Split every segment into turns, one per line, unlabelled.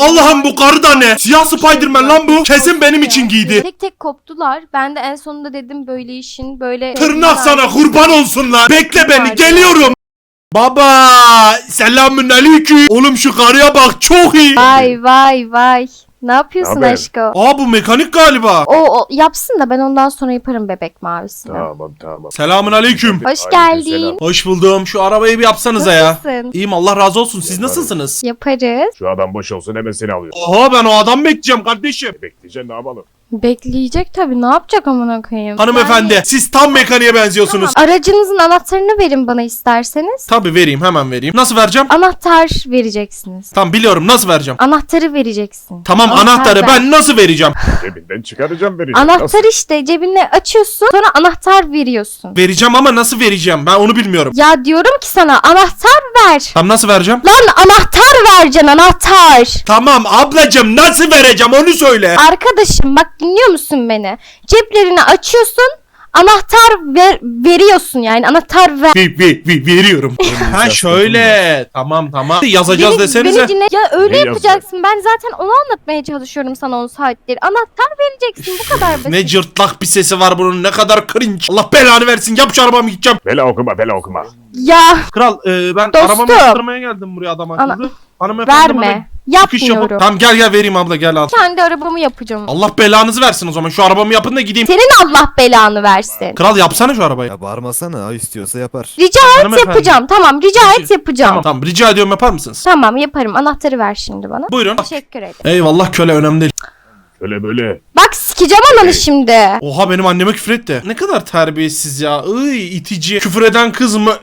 Allah'ım bu karı da ne? Siyah Spiderman lan bu. Kesin benim için giydi.
Tek tek koptular. Ben de en sonunda dedim böyle işin böyle...
Tırnak sana kurban olsunlar. Bekle beni, geliyorum. Baba selamün aleyküm. Oğlum şu karıya bak, çok iyi.
Vay vay vay. Ne yapıyorsun
Naber?
aşkım?
Aa bu mekanik galiba.
O yapsın da ben ondan sonra yaparım bebek mavisini.
Tamam.
Selamün aleyküm.
Hoş
Aleykümselam.
geldin.
Hoş buldum. Şu arabayı bir yapsanıza ya.
Nasılsın?
İyiyim Allah razı olsun. Siz
Yaparım.
nasılsınız?
Yaparız.
Şu adam boş olsun hemen seni alıyor.
Oha ben o adam bekleyeceğim kardeşim.
Bekleyeceksin ne yapalım?
Bekleyecek tabii. Ne yapacak amına koyayım?
Hanımefendi siz tam mekaniğe benziyorsunuz.
Tamam. Aracınızın anahtarını verin bana isterseniz.
Tabii vereyim, hemen vereyim. Nasıl vereceğim?
Anahtar vereceksiniz.
Tamam biliyorum, nasıl vereceğim?
Anahtarı vereceksin.
Tamam
Anahtar
anahtarı
ver.
ben nasıl vereceğim?
Cebinden çıkaracağım vereceğim.
Anahtar işte cebine açıyorsun sonra anahtar veriyorsun.
Vereceğim ama nasıl vereceğim? Ben onu bilmiyorum.
Ya diyorum ki sana anahtar ver.
Tamam nasıl vereceğim?
Lan anahtar vereceksin anahtar.
Tamam ablacım nasıl vereceğim onu söyle.
Arkadaşım bak dinliyor musun beni? Ceplerini açıyorsun anahtar veriyorsun yani anahtar ver.
Veriyorum. Ha şöyle. Tamam. Yazacağız desenize.
Beni dinle. Ya öyle
Ne
yapacaksın. Ben zaten onu anlatmaya çalışıyorum sana 10 saattir. Anahtar vereceksin bu kadar basit.
Ne cırtlak bir sesi var bunun, ne kadar cringe. Allah belanı versin, yap şu arabamı gideceğim.
Bela okuma.
Ya
Kral ben
Dostum.
arabamı yaptırmaya geldim buraya adam akıllı. Hanımefendi bana
verme.
çıkış yapın.
Yapmıyorum.
Tamam gel vereyim abla, gel al.
Kendi arabamı yapacağım.
Allah belanızı versin o zaman, şu arabamı yapın da gideyim.
Senin Allah belanı versin.
Kral yapsana şu arabayı.
Ya bağırmasana, istiyorsa yapar.
Rica et
Hanımefendi.
yapacağım. Tamam rica et yapacağım.
Tamam rica ediyorum, yapar mısınız?
Tamam yaparım. Anahtarı ver şimdi bana.
Buyurun.
Teşekkür ederim.
Eyvallah köle, önemli değil.
Şöyle böyle.
Bak sikeceğim ananı şimdi.
Oha benim anneme küfür etti. Ne kadar terbiyesiz ya. Itici. Küfür eden kız mı?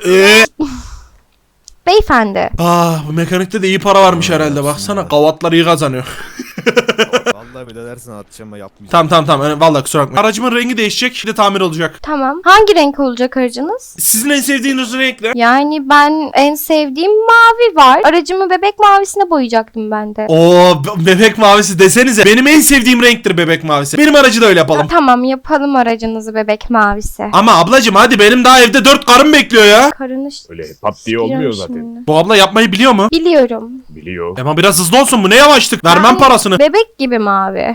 Beyefendi.
Bu mekanikte de iyi para varmış herhalde, baksana. Kavatlar iyi kazanıyor.
Vallahi bile dersin atacağım ama yapmayacağım.
Tamam. Vallahi kusura bakma. Aracımın rengi değişecek. Bir de tamir olacak.
Tamam. Hangi renk olacak aracınız?
Sizin en sevdiğiniz renk ne?
Yani ben en sevdiğim mavi var. Aracımı bebek mavisine boyayacaktım ben de.
Bebek mavisi desenize. Benim en sevdiğim renktir bebek mavisi. Benim aracı da öyle yapalım.
Tamam yapalım aracınızı bebek mavisi.
Ama ablacım hadi, benim daha evde 4 karım bekliyor ya.
Karını
Öyle pat diye olmuyor zaten.
şimdi.
Bu abla yapmayı biliyor mu?
Biliyorum.
Biliyor.
Ama biraz hızlı olsun, bu ne yavaşlık. Vermem
Yani
parasını.
Bebek gibi mavi.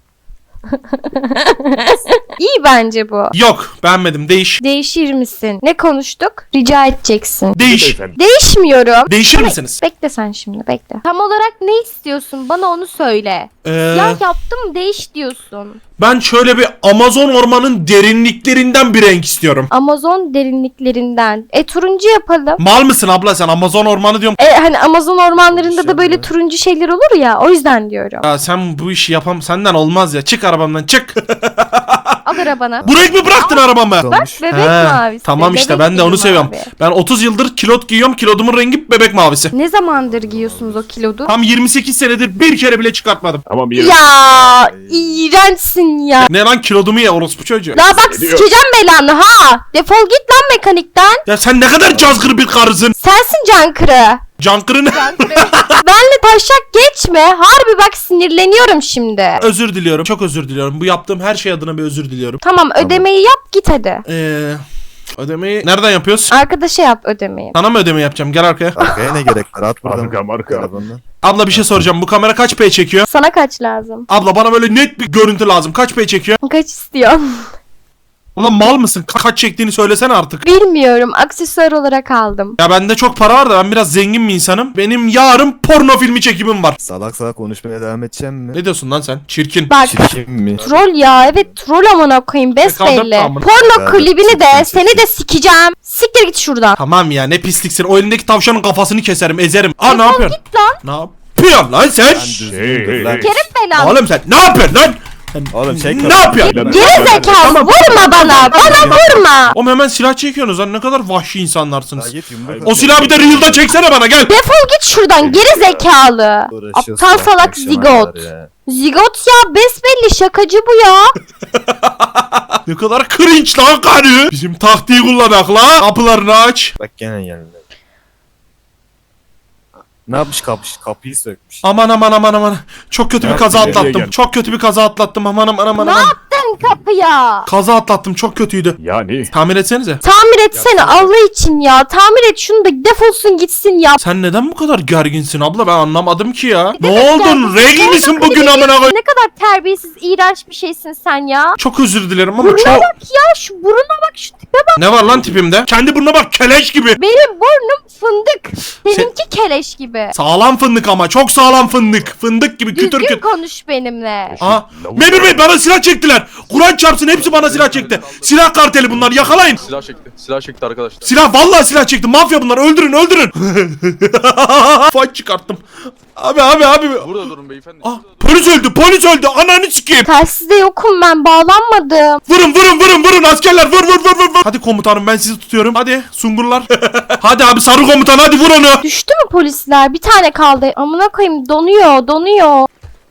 İyi bence bu.
Yok beğenmedim, değiş.
Değişir misin? Ne konuştuk? Rica edeceksin.
Değiş.
Beyefendi.
Değişmiyorum.
Değişir misiniz?
Bekle sen şimdi bekle. Tam olarak ne istiyorsun? Bana onu söyle. Ya yaptım değiş diyorsun.
Ben şöyle bir Amazon ormanın derinliklerinden bir renk istiyorum.
Amazon derinliklerinden. Turuncu yapalım.
Mal mısın abla sen? Amazon ormanı diyorum.
Hani Amazon ormanlarında da böyle
İnşallah.
turuncu şeyler olur ya. O yüzden diyorum.
Ya sen bu işi senden olmaz ya. Çık arabamdan çık.
Al arabana.
Bu renk mi bıraktın arabamı?
Olmuş.
Bebek
He,
mavisi.
Tamam işte
Bebek
ben de
gibi
onu seviyorum.
mavi.
Ben 30 yıldır kilot giyiyorum. Kilodumun rengi bebek mavisi.
Ne zamandır giyiyorsunuz o kilodu?
Tam 28 senedir bir kere bile çıkartmadım.
Tamam iyi.
Ya iğrençsin ya.
Ne lan, kilodumu ye orospu çocuğu.
La bak
Ne diyor?
sikeceğim belanı ha. Defol git lan mekanikten.
Ya sen ne kadar cazgır bir karısın.
Sensin Cankırı.
Cankırını.
Benle taşak geçme. Harbi bak sinirleniyorum şimdi.
Özür diliyorum. Çok özür diliyorum. Bu yaptığım her şey adına bir özür diliyorum.
Tamam ödemeyi yap git hadi.
Ödemeyi nereden yapıyoruz?
Arkadaşa yap ödemeyi.
Sana mı ödeme yapacağım? Gel arkaya.
Arkaya ne gerek var? At buradan.
Marka.
Telefonla.
Abla bir şey soracağım. Bu kamera kaç p çekiyor?
Sana kaç lazım?
Abla bana böyle net bir görüntü lazım. Kaç p çekiyor?
Kaç istiyorsun?
Ulan mal mısın? Kaç çektiğini söylesene artık.
Bilmiyorum. Aksesuar olarak aldım.
Ya bende çok para var da ben biraz zengin bir insanım. Benim yarın porno filmi çekimim var.
Salak konuşmaya devam edeceğim mi?
Ne diyorsun lan sen? Çirkin.
Bak
Çirkin mi?
troll ya. Evet troll amına koyayım besbelli.
Kaldırma amına.
Porno
Ya,
klibini de
çirkin,
seni de sikeceğim. Siktir git şuradan.
Tamam ya, ne pisliksin. O elindeki tavşanın kafasını keserim, ezerim. Ne
Defol
yapıyorsun?
git lan.
Ne yapıyorsun lan sen?
Düzgündür lan.
Kerim belanı.
Oğlum sen ne yapıyorsun lan? Sen
Oğlum çek
ne yapıyorsun?
Geri zekalı vurma bana. Bana vurma.
Oğlum hemen silah çekiyorsunuz lan, ne kadar vahşi
Ya
insanlarsınız.
git yumruk
O silahı bir de Real'da çeksene bana, gel.
Defol git şuradan geri zekalı.
Uğraşıyorsun
Aptal
bak,
salak
akşama
zigot.
kadar ya.
Zigot ya besbelli şakacı bu ya.
Ne kadar cringe lan karı. Bizim taktiği kullanak la. Kapılarını aç.
Bak gene geldi. Ne yapmış kapıyı sökmüş.
Aman. Çok kötü bir
Ya,
kaza
nereye
atlattım.
geldin?
Çok kötü bir kaza atlattım. Aman.
Ne yaptın kapıya.
Kaza atlattım, çok kötüydü.
Yani
Tamir etsenize.
Tamir etsene Allah için ya. Tamir et şunu da defolsun gitsin ya.
Sen neden bu kadar gerginsin abla, ben anlamadım ki ya. Ne
demek
oldun?
gerginsin?
Regl misin bugün amına koy?
Ne kadar terbiyesiz, iğrenç bir şeysin sen ya.
Çok özür dilerim ama
Burnuna
çok...
bak ya, şu buruna bak, şu tipe bak.
Ne var lan tipimde? Kendi burnuna bak, keleş gibi.
Benim burnum fındık. Seninki keleş gibi.
Sağlam fındık ama, çok sağlam fındık. Fındık gibi kütür
Düzgün
kütür.
konuş benimle.
Aa, Memur Bey bana silah çektiler. Kur'an çarpsın, hepsi bana silah çekti. Silah karteli bunlar, yakalayın.
Silah çekti. Silah çekti arkadaşlar.
Silah, vallahi silah çekti. Mafya bunlar, öldürün öldürün. Fight çıkarttım. Abi.
Burada durun beyefendi.
Ah, polis öldü. Ananı sikeyim.
Telsizde yokum ben, bağlanmadım.
Vurun askerler, vur. Hadi komutanım, ben sizi tutuyorum. Hadi sungurlar. Hadi abi sarı komutan, hadi vur onu.
Düştü mü polisler? Bir tane kaldı. Amına koyayım, donuyor.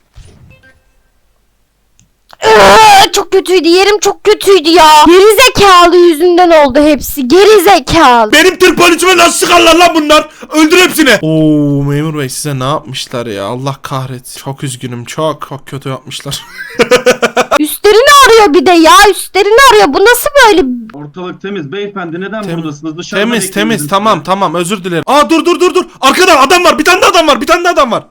Çok kötüydü, yerim çok kötüydü ya. Gerizekalı yüzünden oldu hepsi. Gerizekalı.
Benim Türk polisime nasıl sıkarlar lan bunlar? Öldür hepsini. Oo memur bey, size ne yapmışlar ya? Allah kahretsin. Çok üzgünüm. Çok kötü yapmışlar.
Üstlerini arıyor bir de ya. Üstlerini arıyor. Bu nasıl böyle?
Ortalık temiz beyefendi, neden
Temiz.
buradasınız? Dışarıda bekliyoruz
Temiz.
biz.
Tamam özür dilerim. Aa dur. Arkada adam var. Bir tane de adam var.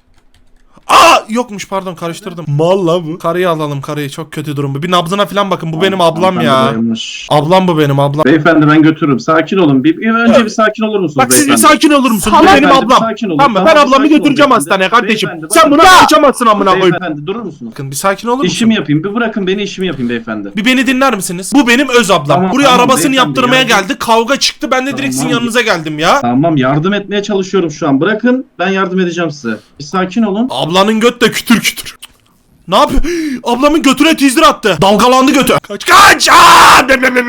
Aa yokmuş, pardon karıştırdım. Mal la bu. Karıyı alalım, karıyı, çok kötü durum bu. Bir nabzına falan bakın, bu benim ablam
Hanımefendi
ya.
bayılmış.
Ablam bu benim ablam.
Beyefendi ben götürürüm. Sakin olun. Önce bir sakin olur musunuz
Bak siz bir
beyefendi?
sakin olur musunuz? Bu
Salak.
benim
Beyefendi,
ablam.
sakin olun.
Tamam mı? Ben
Tamam,
ablamı
sakin olun
götüreceğim
beyefendi.
hastaneye kardeşim.
Beyefendi,
Sen buna
bakın.
kaçamazsın amına koyayım.
Beyefendi durur musunuz?
Bakın bir sakin olur musun?
İşimi yapayım. Bir bırakın beni, işimi yapayım beyefendi.
Bir beni dinler misiniz? Bu benim öz ablam.
Tamam,
Buraya
tamam,
arabasını
beyefendi,
yaptırmaya
yardım-
geldi. Kavga çıktı. Ben de direkt sizin
Tamam.
yanınıza geldim ya.
Tamam, yardım etmeye çalışıyorum şu an. Bırakın, ben yardım edeceğim size. Bir sakin olun.
Ablanın göt de kütür. Ne yapıyor? Ablamın götüne teaser attı. Dalgalandı götü. Kaç! Aa!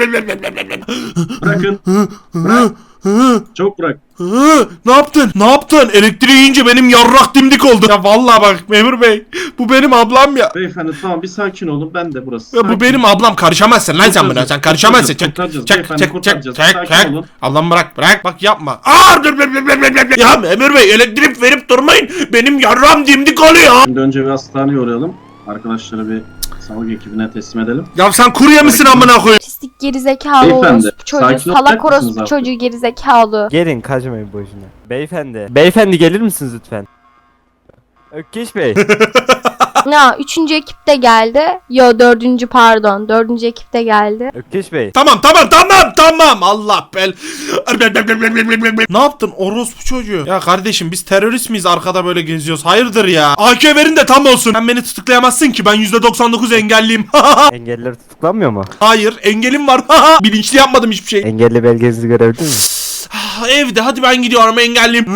Bırakın. Bırak. Çok bırak.
Ne yaptın? Elektriği yiyince benim yarrak dimdik oldu. Ya vallahi bak memur bey. Bu benim ablam ya.
Beyefendi tamam, bir sakin olun. Ben de burası.
Ya bu
Sakin.
benim ablam, karışamazsın lan sen buna. Sen
Kurtaracağız,
karışamazsın.
kurtaracağız,
Çek.
beyefendi, kurtaracağız. Sakin olun.
Ablam bırak. Bak yapma. Aa! Ya memur bey, elektrik verip durmayın. Benim yarram dimdik oluyor.
Şimdi önce bir hastaneye uğrayalım. Arkadaşları bir sağlık ekibine teslim edelim.
Ya sen kurye misin amına koyayım?
Pislik gerizekalı
Beyefendi,
orospu çocuğu.
sakin
Salak
olacak mısınız
orospu
artık?
çocuğu gerizekalı.
Gelin, kaçmayın boşuna. Beyefendi gelir misiniz lütfen? Ökkeş Bey.
Ya 3. ekip de geldi. Yo 4. pardon. 4. ekip de geldi.
Ökkeş Bey.
Tamam. Allah bel. Ne yaptın orospu çocuğu? Ya kardeşim biz terörist miyiz, arkada böyle geziyoruz? Hayırdır ya? AK verin de tam olsun. Sen beni tutuklayamazsın ki, ben %99 engelliyim.
Engelliler tutuklanmıyor mu?
Hayır, engelim var. Bilinçli yapmadım hiçbir şey.
Engelli belgenizi görebilir miyim?
Evde, hadi ben gidiyorum, engelliyim.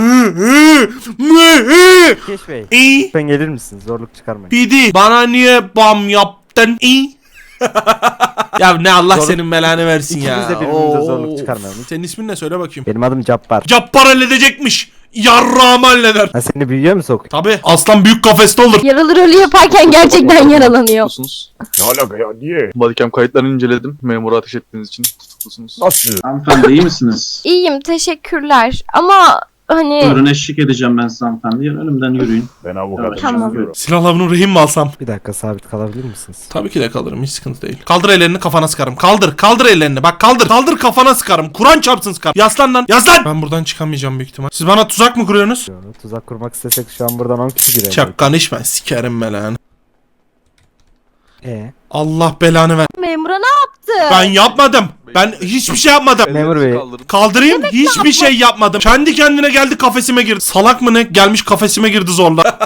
Ökkeş Bey.
İyi.
Lütfen gelir misiniz? Zorluk çıkarmayın.
Bidi, bana niye bam yaptın? İyi. Ya ne Allah
Zorluk-
senin belanı versin ya.
İkimiz de birbirimize
Oo.
zorluk çıkarmayalım.
Senin ismin ne, söyle bakayım.
Benim adım Cabbar.
Cappar halledecekmiş. Yarrağımı halleder.
Ha, seni büyüyor mu sok?
Tabi aslan büyük kafeste olur.
Yaralı rolü yaparken gerçekten yaralanıyor.
Tutuklusunuz.
ne alaka ya, niye?
Bodycam kayıtlarını inceledim. Memura ateş ettiğiniz için tutuklusunuz.
Nasıl?
Hanımefendi iyi misiniz?
İyiyim, teşekkürler. Ama hani
Buyurun, eşlik edeceğim ben size hanımefendi. Önümden yürüyün.
Ben avukatım.
Tamam.
Buyurun.
Silahla bunu rehin mi alsam?
Bir dakika, sabit kalabilir misiniz?
Tabii ki de kalırım, hiç sıkıntı değil. Kaldır ellerini, kafana sıkarım. Kaldır ellerini, bak kaldır kafana sıkarım. Kur'an çarpsın sıkarım. Yaslan lan, yaslan. Ben buradan çıkamayacağım büyük ihtimal. Siz bana tuzak mı kuruyorsunuz?
Yo, tuzak kurmak istesek şu an buradan 10 kişi girer.
Çak konuşma, sikerim belanı. Allah belanı ver.
memura ne yaptı?
Ben yapmadım. Ben hiçbir şey yapmadım.
Memur
Ellerinizi
Bey.
kaldırın.
Kaldırayım, hiçbir şey yapmadım. Kendi kendine geldi, kafesime girdi. Salak mı ne? Gelmiş kafesime girdi zorla.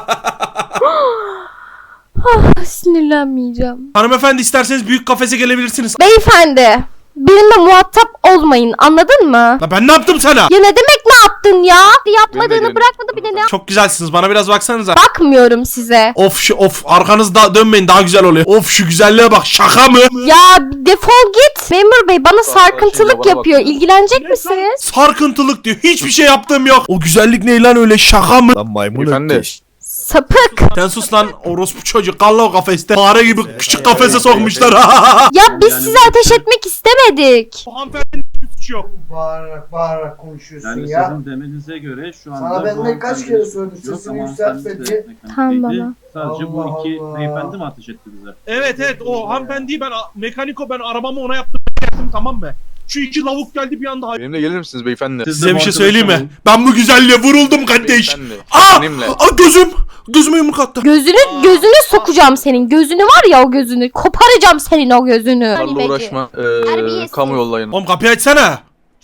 Sinirlenmeyeceğim.
Hanımefendi, isterseniz büyük kafese gelebilirsiniz.
Beyefendi, benimle muhatap olmayın, anladın mı?
La ben ne yaptım sana?
Ya ne demek ne yaptın ya? Yapmadığını
gelin.
bırakmadı, bir de ne?
Çok güzelsiniz, bana biraz baksanıza.
Bakmıyorum size.
Of arkanızda dönmeyin, daha güzel oluyor. Of şu güzelliğe bak, şaka mı?
Ya defol git. Memur bey bana
Şimdi
sarkıntılık
bana
yapıyor.
bak.
İlgilenecek misiniz?
Sarkıntılık diyor, hiçbir şey yaptığım yok. O güzellik ne lan öyle, şaka mı?
Lan maymun
Beyefendi.
ökkeş.
Sapık.
Sen sus lan orospu çocuk. Kalla o kafeste. Fare gibi küçük kafese sokmuşlar.
Ya biz
Yani
sizi ateş etmek istemedik.
Bu hanımefendinin hiçbir suçu yok.
Bağırarak konuşuyorsun
Yani
ya.
sizin demenize göre şu anda...
Sana ben
bu
de kaç
hanımefendi
kere söyledim,
yok
sesini
ama
yükseltme
hanımefendi
diye.
de mekanik
Tamam
değildi.
baba.
Sadece bu
Allah
iki
Allah.
beyefendi mi ateş etti bize?
Evet o hanımefendiyi ben mekaniko ben arabamı ona yaptım tamam mı? Şu iki lavuk geldi bir anda.
Benimle gelir misiniz beyefendi?
Siz de
Size bir şey
muhatap
söyleyeyim mi?
olun.
Ben bu güzelliğe vuruldum kardeş.
Beyefendi.
Aa!
Benimle.
Gözüm! Gözüme yumruk attı.
Gözünü sokacağım senin. Gözünü var ya o gözünü. Koparacağım senin o gözünü.
Bunlarla uğraşma.
Terbiyesiz.
Kamu yollayın.
Oğlum kapıyı açsana.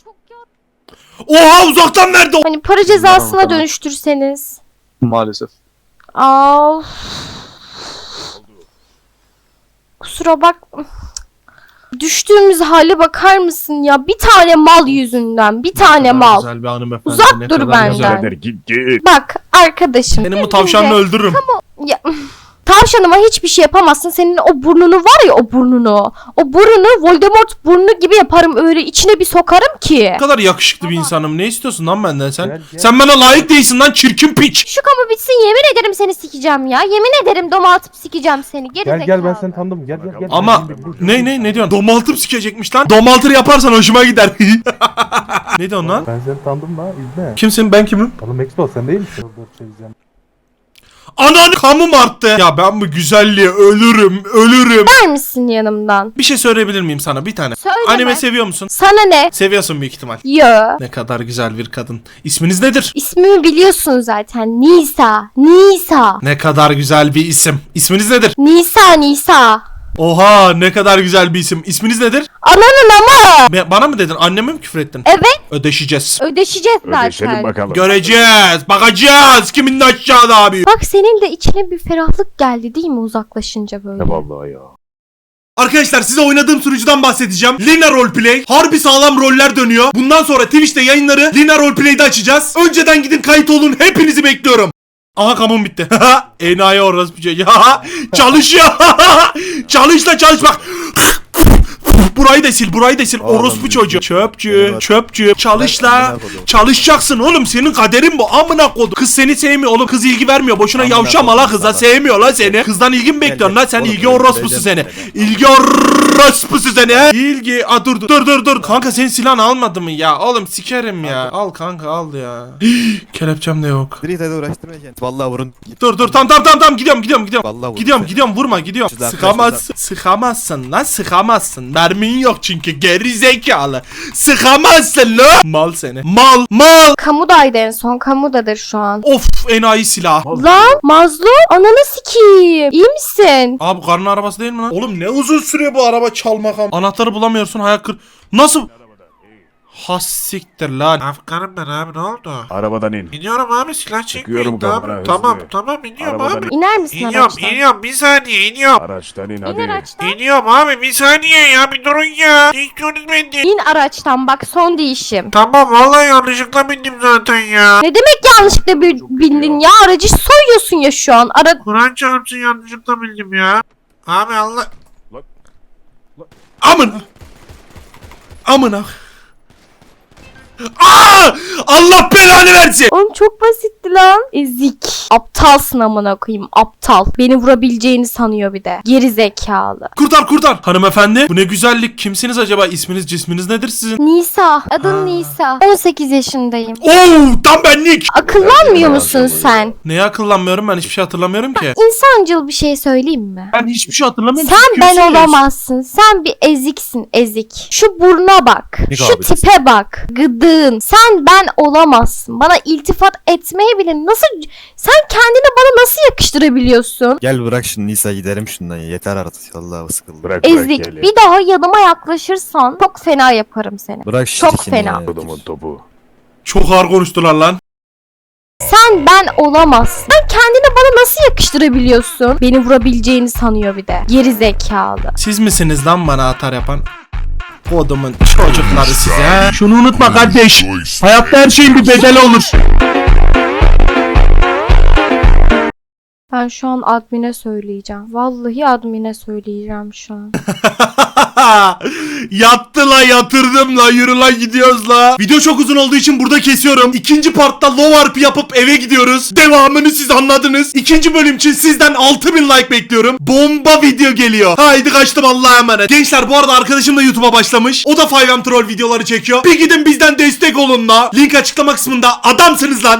Oha uzaktan verdi.
Hani para cezasına
Tamam.
dönüştürseniz.
Maalesef.
Aa. Kusura bak. Düştüğümüz hale bakar mısın ya? Bir tane mal yüzünden. Bir tane mal.
Güzel bir hanımefendi.
Uzak
ne
dur
kadar
benden.
güzel.
Birader git.
Bak arkadaşım.
Senin bu tavşanını
Şimdi-
öldürürüm.
Ya, tavşanıma hiçbir şey yapamazsın. Senin o burnunu var ya o burnunu. O burnu Voldemort burnu gibi yaparım öyle içine bir sokarım ki.
Ne kadar yakışıklı bir insanım. Ne istiyorsun lan benden sen? Sen bana layık değilsin lan çirkin piç.
Şu kamu bitsin yemin ederim seni sikeceğim ya. Yemin ederim doma atıp sikeceğim seni. Geri
Gel ben seni tanıdım. Gel.
Ama ne diyorsun? Domaltır sikecekmiş lan. Domaltır yaparsan hoşuma gider. Ne diyorsun lan?
Ben seni tanıdım da izle.
Kimsin ben kimim?
Oğlum Expo sen değil misin? Dur çevireceğim.
Ananı kamum arttı. Ya ben bu güzelliğe ölürüm.
Ver misin yanımdan?
Bir şey söyleyebilir miyim sana bir tane?
Söyleme.
Anime seviyor musun?
Sana ne?
Seviyorsun büyük ihtimal.
Yo.
Ne kadar güzel bir kadın. İsminiz nedir?
İsmimi biliyorsun zaten. Nisa. Nisa.
Ne kadar güzel bir isim. İsminiz nedir?
Nisa.
Oha ne kadar güzel bir isim. İsminiz nedir?
Ananın ama.
Bana mı dedin? Anneme mi küfür ettin?
Evet.
Ödeşeceğiz.
Ödeşeceğiz
Ödeşelim
zaten.
bakalım.
Göreceğiz. Bakacağız. Kimin de aşağıda abi.
Bak senin de içine bir ferahlık geldi değil mi uzaklaşınca böyle?
Ne vallahi ya.
Arkadaşlar size oynadığım sunucudan bahsedeceğim. Lina Roleplay. Harbi sağlam roller dönüyor. Bundan sonra Twitch'te yayınları Lina Roleplay'de açacağız. Önceden gidin kayıt olun. Hepinizi bekliyorum. Aha kamum bitti. Enayi orası bir şey. Çalışıyor. Çalış bak. Burayı da sil.
Oğlum,
Orospu çocuğu.
benim-
Çöpçü. Çalış la.
Amına kodum.
Çalışacaksın oğlum. Senin kaderin bu. Amına kodum. Kız seni sevmiyor oğlum. Kız ilgi vermiyor. Boşuna
Amına
yavşama la
kodum
kıza.
sana.
Sevmiyor la seni. Kızdan ilgi mi bekliyorsun
gel.
la? Sen
Oğlum,
ilgi
ben
orospusu seni.
gideceğim.
İlgi orospusu seni he. İlgi. Aa dur. Kanka senin silahını almadı mı ya? Oğlum sikerim ya. Al kanka al ya. Kelepçem de yok.
Direkt hadi uğraştırma kendini. Vallahi vurun.
Dur tamam gidiyorum.
Vallahi vurun.
Gidiyorum vurma gidiyorum.
Silah,
Sıkamazsın lan sıkamazsın. Mermin yok çünkü geri zekalı. Sıkamazsın lan. Mal seni. Mal.
Kamudaydı en son. Kamudadır şu an.
Of enayi silah.
Lan Mazlum ananı sikeyim. İyi misin?
Abi bu karın arabası değil mi lan? Oğlum ne uzun sürüyor bu araba çalmak. Anahtarı bulamıyorsun hayal kır. Nasıl? Has siktir lan. Afganım ben abi ne oldu?
Arabadan in.
İniyorum abi silah
Çıkıyorum kafana, hızlı.
Tamam iniyorum
Arabadan
abi.
İner misin araçtan?
İniyorum bir saniye iniyorum.
Araçtan in
İn
hadi.
araçtan.
İniyorum abi bir saniye ya bir durun ya. Ne istiyorsunuz benden?
İn araçtan bak son değişim.
Tamam vallahi yanlışlıkla bindim zaten ya.
Ne demek yanlışlıkla bindin ya? Aracı soyuyorsun ya şu an.
Kur'an çarpsın yanlışlıkla bildim ya. Abi Allah.
Lan.
Amına. Aa! Allah belanı versin.
Oğlum çok basitti lan. Ezik. Aptalsın amına koyayım. Aptal. Beni vurabileceğini sanıyor bir de. Geri zekalı.
Kurtar. Hanımefendi bu ne güzellik. Kimsiniz acaba? İsminiz cisminiz nedir sizin?
Nisa. Adın
Ha.
Nisa. 18 yaşındayım.
Oo tam benlik.
Akıllanmıyor musun sen?
Neye akıllanmıyorum ben hiçbir şey hatırlamıyorum ki.
İnsancıl bir şey söyleyeyim mi?
Ben hiçbir şey hatırlamıyorum.
Sen ben olamazsın. Sen bir eziksin ezik. Şu buruna bak.
Ne
Şu
kabiliyetsin?
tipe bak. Gıdığın. Sen ben olamazsın. Bana iltifat etmeye bile nasıl... Sen kendini bana nasıl yakıştırabiliyorsun?
Gel bırak şimdi Nisa gidelim şundan ya. Yeter artık. Vallahi sıkıldım.
Bırak
Ezik.
eli.
Bir daha yanıma yaklaşırsan çok fena yaparım seni.
Bırak şu
Çok
dikini
fena.
ya.
Kodumun topu.
Çok ağır konuştular lan.
Sen ben olamazsın. Sen kendini bana nasıl yakıştırabiliyorsun? Beni vurabileceğini sanıyor bir de. Geri zekalı.
Siz misiniz lan bana atar yapan? Kodumun çocukları size. Şunu unutma kardeş. Hayatta her şeyin bir bedeli olur.
Ben şu an admine söyleyeceğim. Vallahi admine söyleyeceğim şu an.
Yattı la, yatırdım la, yürü la, gidiyoruz la. Video çok uzun olduğu için burada kesiyorum. İkinci partta low RP yapıp eve gidiyoruz. Devamını siz anladınız. İkinci bölüm için sizden 6000 like bekliyorum. Bomba video geliyor. Haydi kaçtım, Allah'a emanet. Gençler bu arada arkadaşım da YouTube'a başlamış. O da 5M Troll videoları çekiyor. Bir gidin bizden destek olun la. Link açıklama kısmında. Adamsınız lan.